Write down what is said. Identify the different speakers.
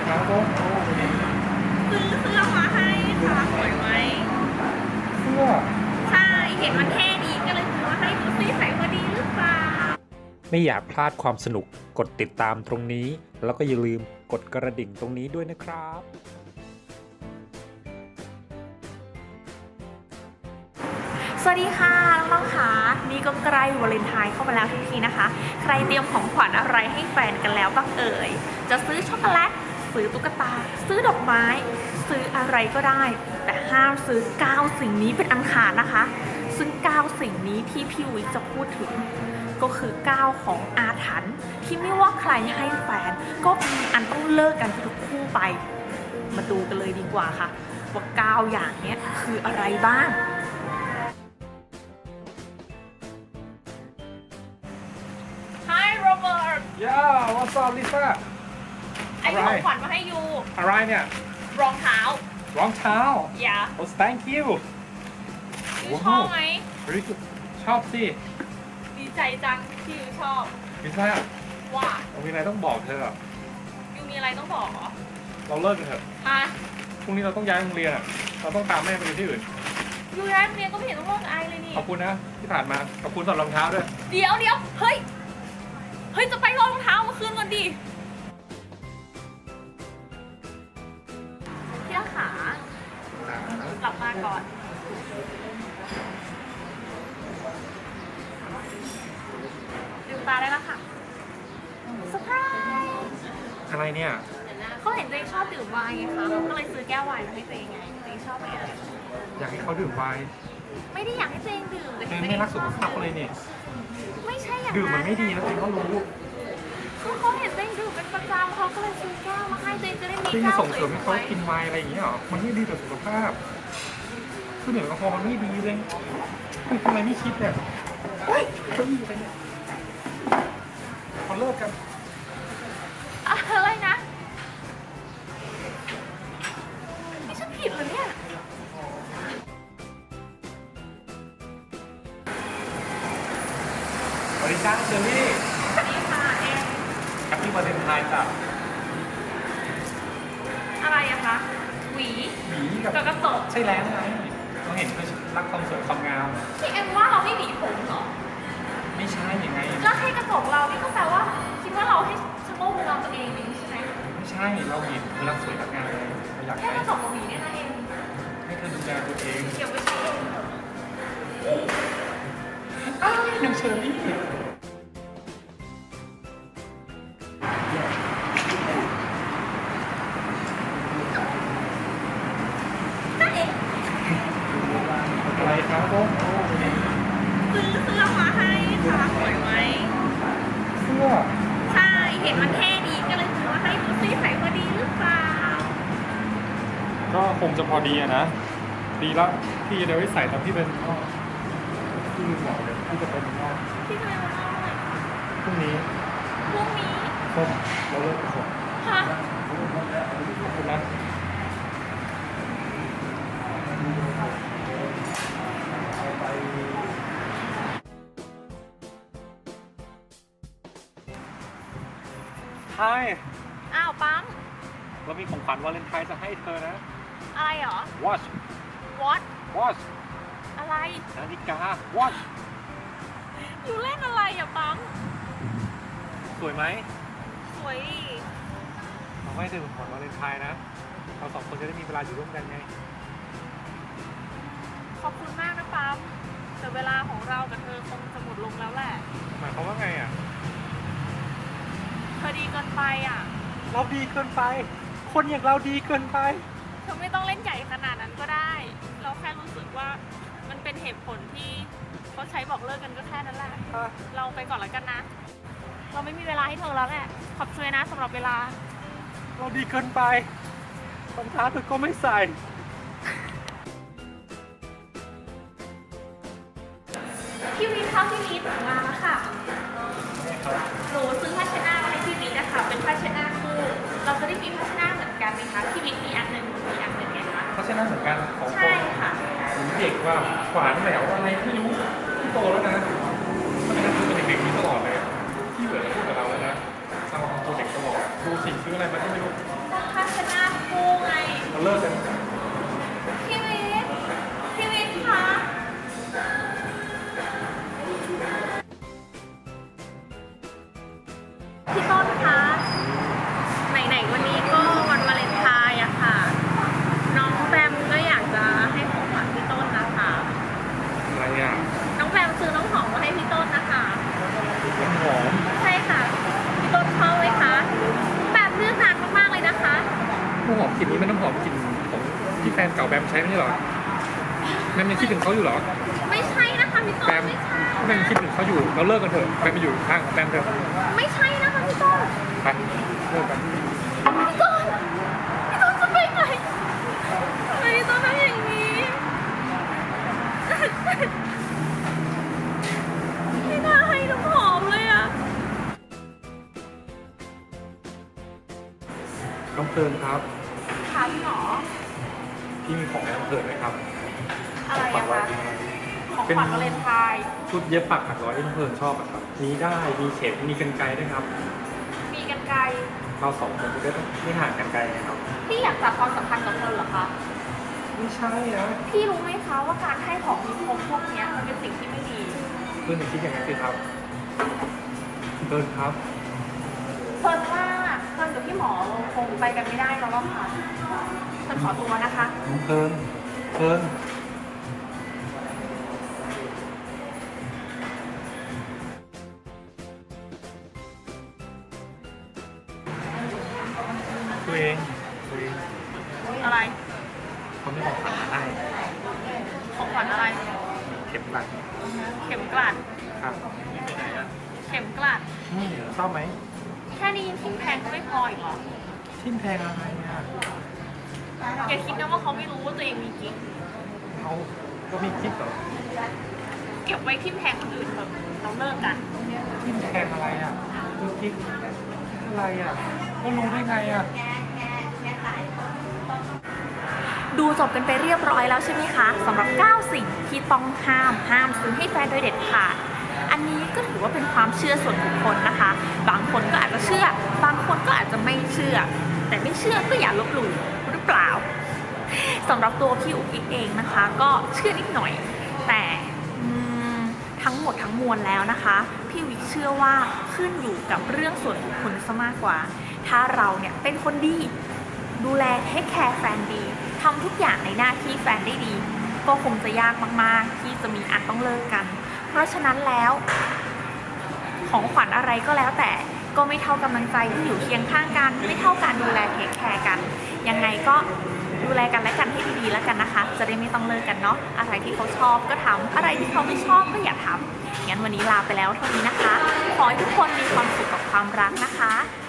Speaker 1: ครับผม
Speaker 2: ซื้อเสื้อมาให้ค่ะสวยไหม
Speaker 1: เสื้อ
Speaker 2: ใช่เห็นมันเท่ดีก็เลยซื้อมาให้ดูซิใส่พอดีหรือเปล่า
Speaker 3: ไม่อยากพลาดความสนุกกดติดตามตรงนี้ แล้วก็อย่าลืมกดกระดิ่งตรงนี้ด้วยนะครับ
Speaker 2: สวัสดีค่ะน้องๆค่ะนี่ก็ใกล้วาเลนไทน์เข้ามาแล้วทุกทีนะคะใครเตรียมของขวัญอะไรให้แฟนกันแล้วบ้างเอ่ยจะซื้อช็อกโกแลตซื้อตุ๊กตาซื้อดอกไม้ซื้ออะไรก็ได้แต่ห้ามซื้อ9สิ่งนี้เป็นอันขาดนะคะซึ่ง9สิ่งนี้ที่พี่วิจะพูดถึงก็คือ9ของอาถรรพ์ที่ไม่ว่าใครให้แฟนก็มีอันต้องเลิกกันทุกคู่ไปมาดูกันเลยดีกว่าค่ะว่า9อย่างนี้คืออะไรบ้าง Hi Robert
Speaker 1: Yeah what's up Lisa
Speaker 2: ไอ้ของขวัญมาให้ยู
Speaker 1: อะไรเนี่ย
Speaker 2: รองเท้าร
Speaker 1: องเท้า
Speaker 2: อย่า
Speaker 1: Oh thank you
Speaker 2: ยูชอบไหม
Speaker 1: Very good ชอบสิ
Speaker 2: ดีใจจังที่ยูชอบ
Speaker 1: ลิซ่า
Speaker 2: ว่า
Speaker 1: เรามีอะไรต้องบอกเธออะ
Speaker 2: ยูมีอะไรต้องบอกเหรอ
Speaker 1: เราเลิกกันเถอะ
Speaker 2: ฮะ
Speaker 1: พรุ่งนี้เราต้องย้ายโรงเรียนอะเราต้องตามแม่ไปอยู่ที่อื่น
Speaker 2: ยูย้ายโรงเรียนก็ไม่เห็นต้องเลิกกับไอเลยนี่
Speaker 1: ขอบคุณนะที่ผ่านมาขอบคุณสำหรับรองเท้าด้วย
Speaker 2: เดี๋ยวเฮ้ยจะไปรองเท้ามาคืนก่อนดิพี่ขากลับมาก่อนลืมตาได้แล้วค่ะเซอร์ไพรส์
Speaker 1: อะไรเนี่ย
Speaker 2: เขาเห็นตัวเองชอบดื่มไวน์ไงคะก็เลยซื้อแก้วไวน์มาให้ตัวเองไงตัวเองชอบไหมอะ
Speaker 1: อยากให้เขาดื่มไวน์
Speaker 2: ไม่ได้อยากให้ตัวเองดื่มแต่
Speaker 1: เธอ
Speaker 2: ตัวเอ
Speaker 1: ไม่
Speaker 2: ง
Speaker 1: รักสุขภาพเลยนี่
Speaker 2: ไม่ใช่อย่างนั้น
Speaker 1: ดื่มมันไม่ดีนะตัวเองก็รู้
Speaker 2: คือเขาเห็นตัวเองดื่มเป็นประจำเขาก็เลยซื้อแก้วมาให้ตัวเองจะได้มี
Speaker 1: ที่
Speaker 2: แก้ว
Speaker 1: ส่ง
Speaker 2: ส
Speaker 1: เสริมให้เขา
Speaker 2: วย
Speaker 1: กินไวน์อะไรอย่างเงี้ยหรอมันไม่ดีต่อสุขภาพคือเหนือแอลกอฮอล์มันไม่ดีเลยคุณทำไมไม่คิดเนี่ยเฮ้ยเขามีอะไรเนี่ยเขาเลิกกัน
Speaker 2: ๆอะไรนะนี่ฉันผิดเหรอเนี่ย
Speaker 1: สวัสดีจ้าเชอรี่
Speaker 2: สวัสดีค่ะเอง
Speaker 1: แฮปปี้วาเลนไทน์จ้ะ
Speaker 2: อะไรอะคะหวี
Speaker 1: หวีกับ
Speaker 2: กับกระจก
Speaker 1: ใช่แล้วไงเราเห็นเธอรักความสวยความงาม
Speaker 2: ที่เอ็มว่าเราไม่หวีผมเหรอ
Speaker 1: ไม่ใช่ยังไง
Speaker 2: แล้วให้กระจกเรานี่ก็แปลว่าคิดว่าเราให้ชะโงกดูเราตัวเองนี่ใช่ไหม
Speaker 1: ไม่ใช่เราเห็นเธอรักสวยรักงามเลยเราอยาก
Speaker 2: แค่
Speaker 1: ให้
Speaker 2: กระจกกับหวีเนี่ยนะเอง
Speaker 1: ให้เธอดูแลตัวเอง
Speaker 2: เก็บไว้ใช้เองเถอะ
Speaker 1: อ้าวยังเชอรี่
Speaker 2: นั่นเอง
Speaker 1: อะไรครับผม
Speaker 2: ซื้อเสื้อมาให้ค่ะสวยไหม
Speaker 1: เสื้อ
Speaker 2: ใช่เห็นมันเท่ดีก็เลยซื้อมาให้ดูซิใส่พอดีหรือเปล่า
Speaker 1: ก็คงจะพอดีอะนะ ดีแล้วพี่จะได้ไว้ใส่ตอนที่เป็นพ่อพี่ลืมบอกเลยพี่จะเป็นพ่อ
Speaker 2: พี่จะไปวันเอาอะไร
Speaker 1: พรุ่งนี้
Speaker 2: พรุ่งนี้
Speaker 1: ส้มเราเลิกกันก่อน
Speaker 2: ฮะ
Speaker 1: ขอบคุณนะ Hi
Speaker 2: อ้าวปั๊ม
Speaker 1: เรามีของขวัญวาเลนไทน์จะให้เธอนะ
Speaker 2: อะไรเหรอ
Speaker 1: Watch
Speaker 2: what
Speaker 1: Watch
Speaker 2: อะไร
Speaker 1: นาฬิกา Watch
Speaker 2: อยู่เล่นอะไรอ่ะปั๊ม
Speaker 1: สวยไหม
Speaker 2: สวยดิ
Speaker 1: เราให้เธอของขวัญวาเลนไทน์นะ เราสองคนจะได้มีเวลาอยู่ร่วมกันไง
Speaker 2: ขอบคุณมากนะปั๊มแต่เวลาของเรากับเธอคงจะหมดลงแล้วแหละ
Speaker 1: หมายความว่าไงอ่ะ
Speaker 2: เธอดีเกินไปอ่ะ
Speaker 1: เราดีเกินไป คนอย่างเราดีเกินไป
Speaker 2: เธอไม่ต้องเล่นใหญ่ขนาดนั้นก็ได้ เราแค่รู้สึกว่ามันเป็นเหตุผลที่เขาใช้บอกเลิกกันก็แค่นั้นแหละ เราไปก่อนแล้วกันนะ เราไม่มีเวลาให้เธอแล้วแหละ ขอบคุณนะสำหรับเวลา
Speaker 1: เราดีเกินไปรองเท้าเธอก็ไม่ใส่
Speaker 2: พี่วิทย์เข้าที่วิทย์มาแล้วค่ะ หนูซื้อผ้าเช็ดหน้ามาให้พี่วิทย์นะคะเป็นผ้าเช็ดหน้าคู่ เราจะได้มีผ้าเช็ดหน้าเหมือนกันไหมคะพี่วิทย์มีอันหนึ่งหนูมีอันหนึ่งไงคะ
Speaker 1: เพราะฉะนั้นเหมือนกันของ
Speaker 2: ใช่ค่ะ
Speaker 1: เด็กว่าขวานแหววอะไรไม่รู้ที่โตแล้วนะถ้าเป็นคือเป็นเด็กๆนี้ตลอดเลยที่เหลือพูดกับเราแล้วนะเราของตัวเด็กตลอดดูสิ่งซื้ออะไรมาที่ไม่รู้
Speaker 2: ราคาพี่ต้นคะไหนๆวันนี้ก็วันวาเลนไทน์อะค่ะ น้องแบมก็อยากจะให้ของขวัญพี่ต้นนะคะ
Speaker 1: อะไรอ่ะ
Speaker 2: น้องแบมซื้อน้องหอมมาให้พี่ต้นนะคะ
Speaker 1: น้ำหอม
Speaker 2: ใช่ค่ะ พี่ต้นเข้าไหมคะแบบเลือกนานมากๆเลยนะคะ
Speaker 1: น้ำหอมกลิ่นนี้มันน้ำหอมกลิ่นของที่แฟนเก่าแบมใช้ไม่ใช่เหรอแบมยังคิดถึงเขาอยู่เหรอ
Speaker 2: ไม่ใช่นะคะพี่ต้
Speaker 1: แบ
Speaker 2: น
Speaker 1: ม
Speaker 2: ไม่ใช่
Speaker 1: แบมยังคิดถึงเขาอยู่เราเลิกกันเถอะแบมไปอยู่ข้างของแบมเถอะ
Speaker 2: ไม่ใช่นะคะพี่ต้น
Speaker 1: ไปเลิกกัน
Speaker 2: พี่ต้นจะไปไหนทำไมพี่ต้นทำอย่างนี้ ไม่น่าให้น้ำหอมเลยอะ
Speaker 1: น้องเพลินครับ
Speaker 2: ค่ะพี่หมอ
Speaker 1: พี่มีของให้น้องเพลินไหมครับ
Speaker 2: อะไรอะคะของขวัญวาเลนไทน์
Speaker 1: ชุดเย็บปักถักร้อยที่น้องเพลินชอบอะครับมีได้มีเข็มมีกรรไกรด้วยครับ
Speaker 2: มีกันไกร
Speaker 1: เราสองคนจะได้ไม่ห่างกันไกลนะครับ
Speaker 2: พี่อยากจับความสัมพันธ์กับเธอเหรอคะ
Speaker 1: ไม่ใช่นะ
Speaker 2: พี่รู้ไหมคะว่าการให้ของมีคมพวกเนี้ยมันเป็นสิ่งที่ไม่ดี
Speaker 1: เพื่อนอย่าคิดอย่างนั้นสิครับเพลินครับ
Speaker 2: เฟิร์นว่าเฟิร์นกับพี่หมอคงไปกันไม่ได้แล้วล่ะค่ะเฟิร์นขอตัวนะคะ
Speaker 1: น้องเพลินเพลินตัวเอง
Speaker 2: อะไร
Speaker 1: เขาไม่ของขวัญมาให้
Speaker 2: ของขวัญอะไร
Speaker 1: เข็มหลัก
Speaker 2: เข็มกลัด
Speaker 1: ครับไปไหนอ่ะ
Speaker 2: เข็มกลัด
Speaker 1: ชอบไหม
Speaker 2: แค่นี้ทิ้งแพงก็ไม่พออีกเหรอ
Speaker 1: ทิ่มแทงอะไรอ่ะ
Speaker 2: อย่าคิดนะว่าเขาไม่รู้ว่าตัวเองมีกิ๊ก
Speaker 1: เขาก็มีคิดเหรอ
Speaker 2: เก็บไว้ทิมแทงคนอื่นเถอะเราเลิกกัน
Speaker 1: ทิ่มแทงอะไรอ่ะดูคิดอะไรอ่ะก็รู้ได้ไงอ่ะ
Speaker 2: ดูจบกันไปเรียบร้อยแล้วใช่ไหมคะสำหรับ 9 สิ่งที่ต้องห้ามซื้อให้แฟนโดยเด็ดขาดอันนี้ก็ถือว่าเป็นความเชื่อส่วนบุคคลนะคะ บางคนก็อาจจะเชื่อ บางคนก็อาจจะไม่เชื่อ แต่ไม่เชื่อก็อย่าลบหลู่หรือเปล่าสำหรับตัวพี่อุ๊กกิ๊กเองนะคะ ก็เชื่อนิดหน่อย แต่ทั้งหมดทั้งมวลแล้วนะคะพี่วิกเชื่อว่าขึ้นอยู่กับเรื่องส่วนบุคคลซะมากกว่า ถ้าเราเนี่ยเป็นคนดีดูแลเทคแคร์แฟนดีทำทุกอย่างในหน้าที่แฟนได้ดี ก็คงจะยากมากๆที่จะมีอันต้องเลิกกัน เพราะฉะนั้นแล้ว ของขวัญอะไรก็แล้วแต่ก็ไม่เท่ากำลังใจที่อยู่เคียงข้างกัน ไม่เท่าการดูแลเทคแคร์กันยังไงก็ดูแลกันและกันให้ดีๆแล้วกันนะคะ จะได้ไม่ต้องเลิกกันเนาะอะไรที่เขาชอบก็ทำอะไรที่เขาไม่ชอบก็อย่าทำงั้นวันนี้ลาไปแล้วเท่านี้นะคะขอให้ทุกคนมีความสุขกับความรักนะคะ